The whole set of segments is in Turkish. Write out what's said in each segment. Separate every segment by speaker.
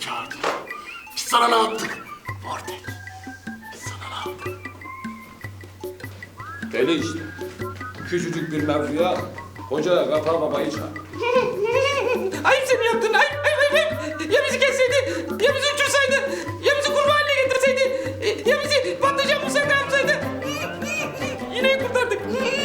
Speaker 1: çağırdın? Biz sana ne yaptık? Vortex. Biz sana ne yaptık?
Speaker 2: Deli işte. Küçücük bir mevzuya koca Gafar Baba'yı çağır.
Speaker 3: Ayıp sen yaptın, ayıp. Ya bizi kesseydi, ya bizi uçursaydı, ya bizi kurban haline getirseydi, ya bizi patlıcan musaka yapsaydı. Yine kurtardık.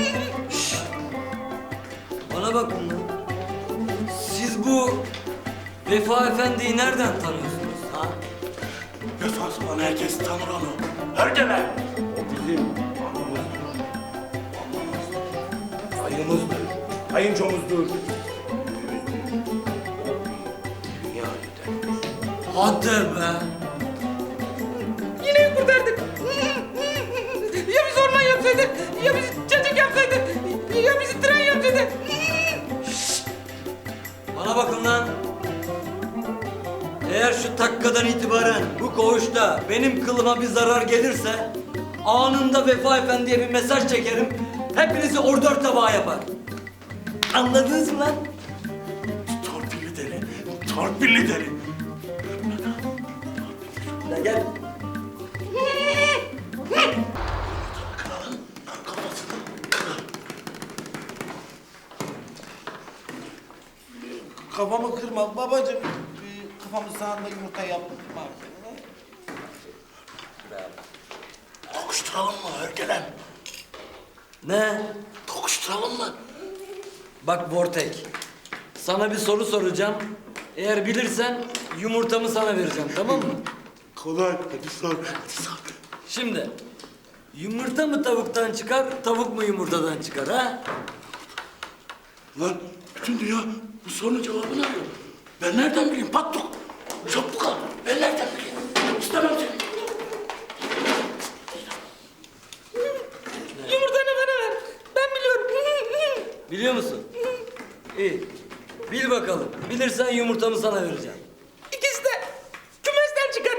Speaker 4: Bana bakın lan. Siz bu Vefa Efendi'yi nereden tanıyorsunuz ha?
Speaker 1: Yasası bana herkes tanır onu. Herkese.
Speaker 2: O bizim ayımızdır, kayınçomuzdur. Dünya lider.
Speaker 4: Hadi be.
Speaker 3: Yine kurtardık. Ya bizi orman yapsaydı, ya bizi çiçek yapsaydı, ya bizi tren yapsaydı.
Speaker 4: Bana bakın lan. Eğer şu dakikadan itibaren bu koğuşta benim kılıma bir zarar gelirse anında Vefa Efendi'ye bir mesaj çekerim. Hepinizi ordör tabağı yapar. Anladınız mı lan?
Speaker 1: Torpilli deli. Torpilli deli.
Speaker 4: Lan gel.
Speaker 1: Kafasını.
Speaker 5: Kafamı kırma babacığım. Kafamı sağında yumurta yaptım.
Speaker 1: Tokuşturalım mı Hergelem?
Speaker 4: Ne?
Speaker 1: Tokuşturalım mı?
Speaker 4: Bak Vortek, sana bir soru soracağım. Eğer bilirsen yumurtamı sana vereceğim, tamam mı?
Speaker 1: Kolay. Hadi sor. Hadi sor.
Speaker 4: Şimdi, yumurta mı tavuktan çıkar, tavuk mu yumurtadan çıkar ha?
Speaker 1: Lan bütün dünya bu sorunun cevabını arıyor. Ben nereden bileyim Pattuk? Çabuk al. Ben nereden bileyim? İstemem seni.
Speaker 3: Yumurtanı bana ver. Ben biliyorum.
Speaker 4: Biliyor musun? İyi, bil bakalım. Bilirsen yumurtamı sana vereceğim.
Speaker 3: İkisi de kümesten çıkar.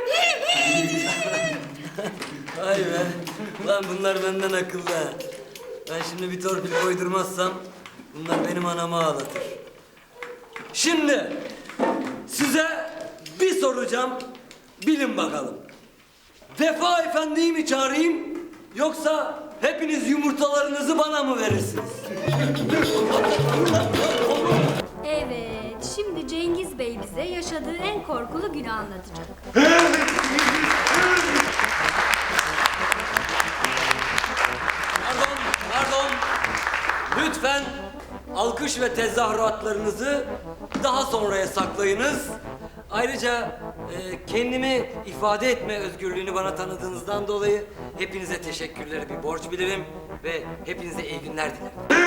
Speaker 4: Vay be, lan bunlar benden akıllı ha. Ben şimdi bir torpil koydurmazsam bunlar benim anamı ağlatır. Şimdi size bir soracağım, bilin bakalım. Vefa Efendi'yi mi çağırayım yoksa hepiniz yumurtalarınızı bana mı verirsiniz?
Speaker 6: Evet, şimdi Cengiz Bey bize yaşadığı en korkulu günü anlatacak.
Speaker 4: Pardon. Lütfen alkış ve tezahüratlarınızı daha sonraya saklayınız. Ayrıca kendimi ifade etme özgürlüğünü bana tanıdığınızdan dolayı hepinize teşekkürleri bir borç bilirim ve hepinize iyi günler dilerim.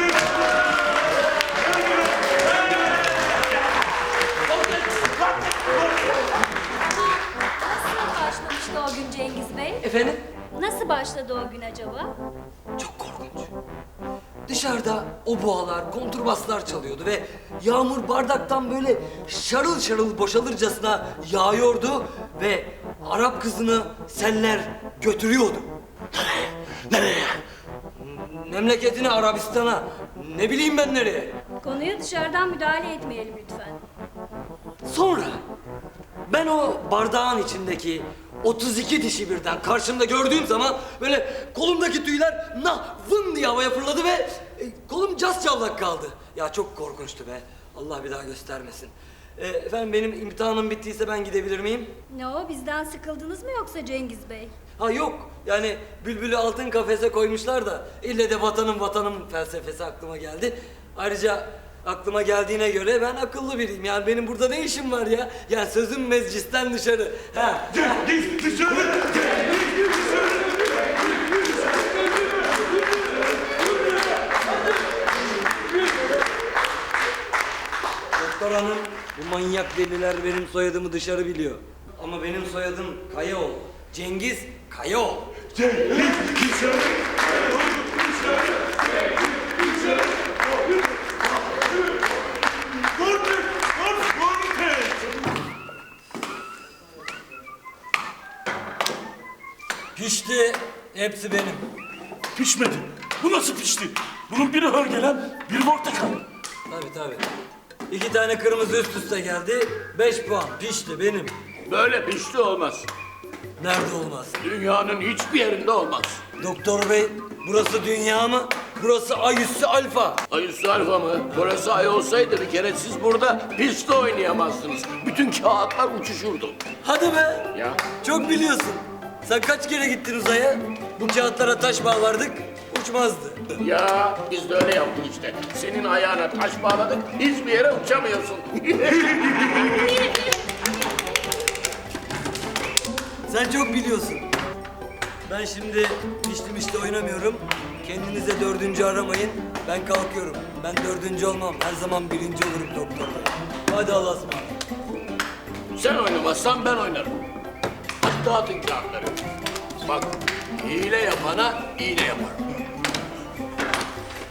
Speaker 6: Nasıl başlamıştı o gün Cengiz Bey?
Speaker 4: Efendim?
Speaker 6: Nasıl başladı o gün acaba?
Speaker 4: Çok korkunç. Dışarıda o boğalar, konturbaslar çalıyordu ve yağmur bardaktan böyle şarıl şarıl boşalırcasına yağıyordu ve Arap kızını seller götürüyordu.
Speaker 1: Nereye?
Speaker 4: Memleketine, Arabistan'a, ne bileyim ben nereye.
Speaker 6: Konuya dışarıdan müdahale etmeyelim lütfen.
Speaker 4: Sonra ben o bardağın içindeki 32 dişi birden karşımda gördüğüm zaman böyle kolumdaki tüyler vın diye havaya fırladı ve kolum cascavlak kaldı. Ya çok korkunçtu be. Allah bir daha göstermesin. Efendim benim imtihanım bittiyse ben gidebilir miyim?
Speaker 6: Ne o, bizden sıkıldınız mı yoksa Cengiz Bey?
Speaker 4: Ha yok. Yani bülbülü altın kafese koymuşlar da ille de vatanım felsefesi aklıma geldi. Ayrıca aklıma geldiğine göre ben akıllı biriyim. Yani benim burada ne işim var ya? Yani sözüm meclisten dışarı. Ha.
Speaker 1: Cengiz dışarı!
Speaker 4: Doktor hanım, bu manyak deliler benim soyadımı dışarı biliyor. Ama benim soyadım Kayaoğlu. Cengiz Kayaoğlu.
Speaker 1: Cengiz dışarı!
Speaker 4: Pişti, hepsi benim.
Speaker 1: Pişmedi. Bu nasıl pişti? Bunun biri Hergelem, biri portakal.
Speaker 4: Tabii. 2 tane kırmızı üst üste geldi, 5 puan. Pişti benim.
Speaker 1: Böyle pişti olmaz.
Speaker 4: Nerede olmaz?
Speaker 1: Dünyanın hiçbir yerinde olmaz.
Speaker 4: Doktor bey, burası dünya mı? Burası ay üssü alfa.
Speaker 1: Ay üstü alfa mı? Burası ay olsaydı bir kere siz burada piste oynayamazdınız. Bütün kağıtlar uçuşurdu.
Speaker 4: Hadi be.
Speaker 1: Ya
Speaker 4: Çok biliyorsun. Sen kaç kere gittin uzaya? Bu kağıtlara taş bağlardık, uçmazdı.
Speaker 1: ya biz de öyle yaptık işte. Senin ayağına taş bağladık, hiçbir yere uçamıyorsun.
Speaker 4: Sen çok biliyorsun. Ben şimdi mişli oynamıyorum. Kendinize dördüncü aramayın. Ben kalkıyorum. Ben dördüncü olmam. Her zaman birinci olurum doktor bey. Hadi Allah'a ısmarladık.
Speaker 1: Sen oynamazsan ben oynarım. Hadi dağıtın kağıtları. Bak, hile yapana iğne yaparım.